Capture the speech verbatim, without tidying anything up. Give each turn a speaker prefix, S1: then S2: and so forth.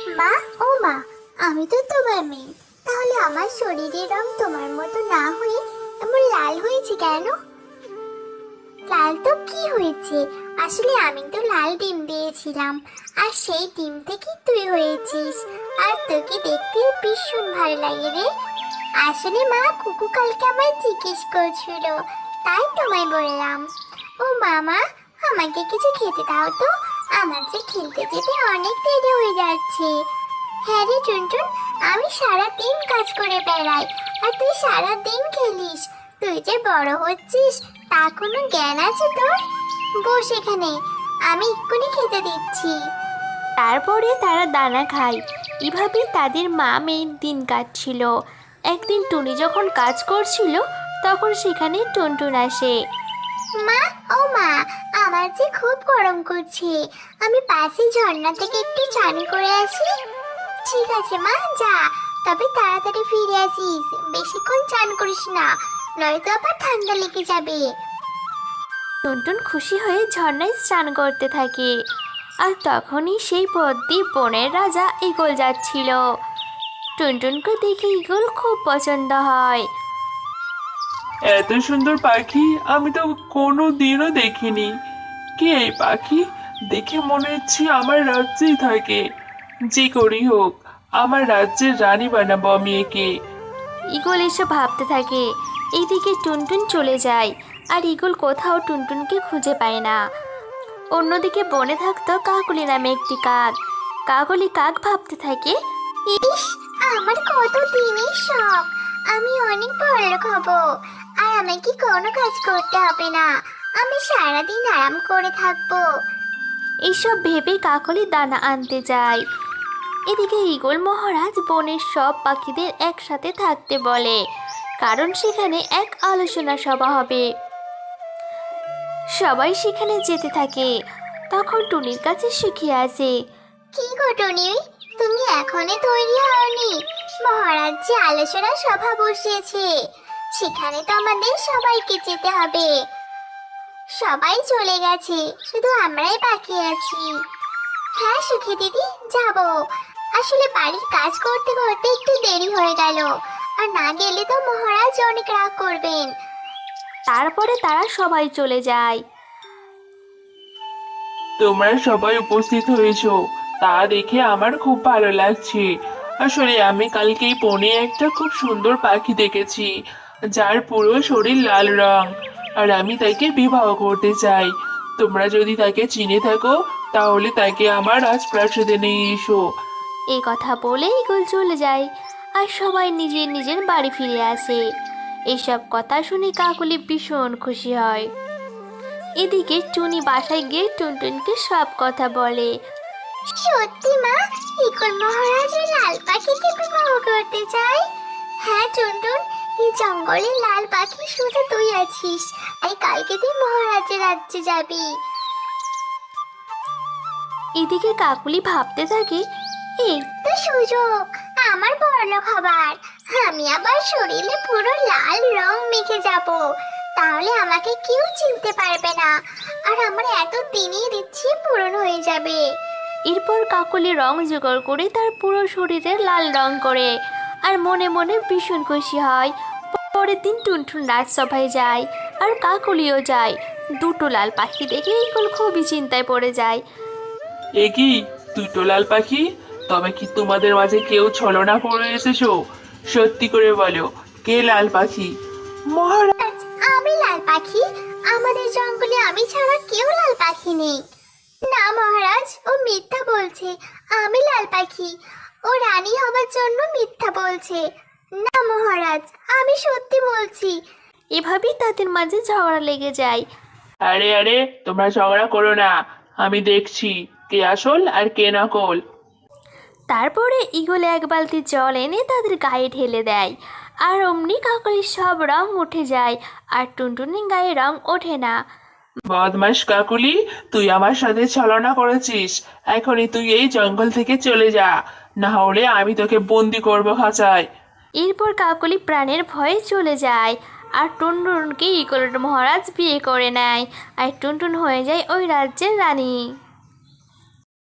S1: মা, ও মা, আমি তো তোমার মেয়ে, তাহলে আমার শরীরের রং তোমার মতো না হয়ে এমন লাল হয়েছে কেন? লাল তো কি হয়েছে, আসলে আমি তো লাল ডিম দিয়েছিলাম, আর সেই ডিম থেকে তুই হয়েছিস। আর তোকে দেখতে ভীষণ ভালো লাগে রে। আসলে মা, কুকু কালকে আমায় জিজ্ঞেস করছিল, তাই তোমায় বললাম। ও মামা, আমাকে কিছু খেতে দাও তো, আমার যে খেলতে যেতে অনেক দেরি হয়ে যাচ্ছে। হ্যাঁ রে টুনটুন, আমি সারা দিন কাজ করে বেড়াই, আর তুই সারা দিন খেলিস। তুই যে বড় হচ্ছিস তা কোনো জ্ঞান আছে তোর? বস এখানে, আমি এক্ষুনি খেতে দিচ্ছি।
S2: তারপরে তারা দানা খায়। এভাবে তাদের মা মেয়ের দিন কাটছিল। একদিন টুনি যখন কাজ করছিল তখন সেখানে টুনটুন আসে।
S1: মা, ও মা, আমার যে খুব গরম করছে, আমি পাশে ঝর্ণা থেকে একটু চান করে আসি। ঠিক আছে মা, যা, তবে তাড়াতাড়ি ফিরে আসিস, বেশিক্ষণ চান করিস না, নয়তো আবার ঠান্ডা লেগে যাবে।
S2: টুনটুন খুশি হয়ে ঝর্ণায় স্নান করতে থাকে। আর তখনই সেই পথ দিয়ে বনের রাজা ঈগল যাচ্ছিল। টুনটুনকে দেখে ঈগল খুব পছন্দ হয়।
S3: এত সুন্দর পাখি আমি তো কোনো দিনও দেখিনি। কে এই পাখি? দেখে মনে হচ্ছে আমার রাজ্যেই থাকে। যে করেই হোক, আমার রাজ্যের রানী বানাবো আমি একে।
S2: ঈগল এসব ভাবতে থাকে। এইদিকে টুনটুন চলে যায়, আর ঈগল কোথাও টুনটুনকে খুঁজে পায় না। অন্যদিকে বনে থাকতো কাকলি নামে একটি কাক। কাকলি কাক ভাবতে থাকে,
S1: ইস, আমার কত দিনের শখ, আমি অনেক বড়লোক হব, আর আমাকে কোনো কাজ করতে হবে না, আমি সারাদিন আরাম করে থাকবো।
S2: এইসব ভেবে কাকলি দানা আনতে যায়। এদিকে ঈগল মহারাজ বনের সব পাখিদের একসাথে থাকতে বলে, কারণ সেখানে এক আলোচনা সভা হবে। সবাই সেখানে যেতে থাকে। তখন টুনির কাছে সুখী আসে।
S1: কি গো টুনি, তুমি এখনো তৈরি হওনি? মহারাজ যে আলোচনা সভা বসিয়েছে, সেখানে তো আমাদের সবাইকে যেতে হবে। সবাই চলে গেছে, শুধু আমরাই বাকি আছি। হ্যাঁ সুখী দিদি, যাব। আসলে বাড়ির কাজ করতে করতে একটু দেরি হয়ে গেল, আর না গেলে তো মহারাজ অনেক রাগ করবেন।
S2: তারপরে তারা সবাই চলে যায়।
S3: তোমরা সবাই উপস্থিত হয়েছো, তা দেখে আমার খুব ভালো লাগছে। আসলে আমি কালকেই বনে একটা খুব সুন্দর পাখি দেখেছি, যার পুরো শরীর লাল রং, আর আমি তাকে বিবাহ করতে চাই। তোমরা যদি তাকে চিনে থাকো তাহলে তাকে আমার রাজপ্রাসাদে নিয়ে এসো।
S2: এই কথা বলে ঈগল চলে যায়, আর সবাই নিজের নিজের বাড়ি ফিরে আসে। এইসব কথা শুনে কাকলি ভীষণ খুশি হয়। এদিকে টুনি বাসায় গিয়ে টুনটুনকে সব কথা বলে।
S1: সত্যি মা, ইকল মহারাজ ওই লাল পাখিকে বিবাহ করতে চাই? হ্যাঁ টুনটুন, এই জঙ্গলে লাল পাখি শুধু তুই আছিস, আর কালকে তুই মহারাজের রাজ্যে যাবি।
S2: এদিকে কাকুলি ভাবতে থাকে, এই
S1: তো সুযোগ আমার বড়লোক হবার, আমি আবার শরীরে পুরো লাল রং মেখে যাব, তাহলে আমাকে কেউ চিনতে পারবে না, আর আমার এত দিনের ইচ্ছে পূরণ হয়ে যাবে।
S2: এরপর কাকলি রং জোগাড় করে তার পুরো শরীরে লাল রং করে, আর মনে মনে ভীষণ খুশি হয়। পরের দিন টুনটুন রাজসভায় যায়, আর কাকলিও যায়। দুটো লাল পাখি দেখে ঈগল খুবই চিন্তায় পড়ে যায়।
S3: এ কি, তুই তো লাল পাখি? তবে কি তোমাদের মাঝে কেউ ছলনা করে এসেছো? সত্যি করে বলো, কে লাল পাখি? মহারাজ,
S1: আজ আমি লাল পাখি, আমাদের জঙ্গলে আমি ছাড়া কেউ লাল পাখি নেই। না মহারাজ, ও মিথ্যা বলছে, আমি লাল পাখি, ও রানী হবার জন্য মিথ্যা বলছে। না মহারাজ, আমি সত্যি বলছি।
S2: এভাবেই তাদের মাঝে ঝগড়া লেগে যায়।
S3: আরে আরে, তোমরা ঝগড়া করো না, আমি দেখছি কে আসল আর কে নকল।
S2: তারপরে ঈগল এক বালতি জল এনে তাদের গায়ে ঢেলে দেয়, আর অমনি কাকলির সব রং উঠে যায়, আর টুনটুনির গায়ে রং ওঠে না।
S3: বদমাস কাকুলি, তুই আমার সাথে ছলনা করেছিস, এখনই তুই এই জঙ্গল থেকে চলে যা, না হলে আমি তোকে বন্দি করবো খাঁচায়।
S2: এরপর কাকলি প্রাণের ভয়ে চলে যায়, আর টুনটুনকে ঈগলের মহারাজ বিয়ে করে নেয়, আর টুনটুন হয়ে যায় ওই রাজ্যের রানী।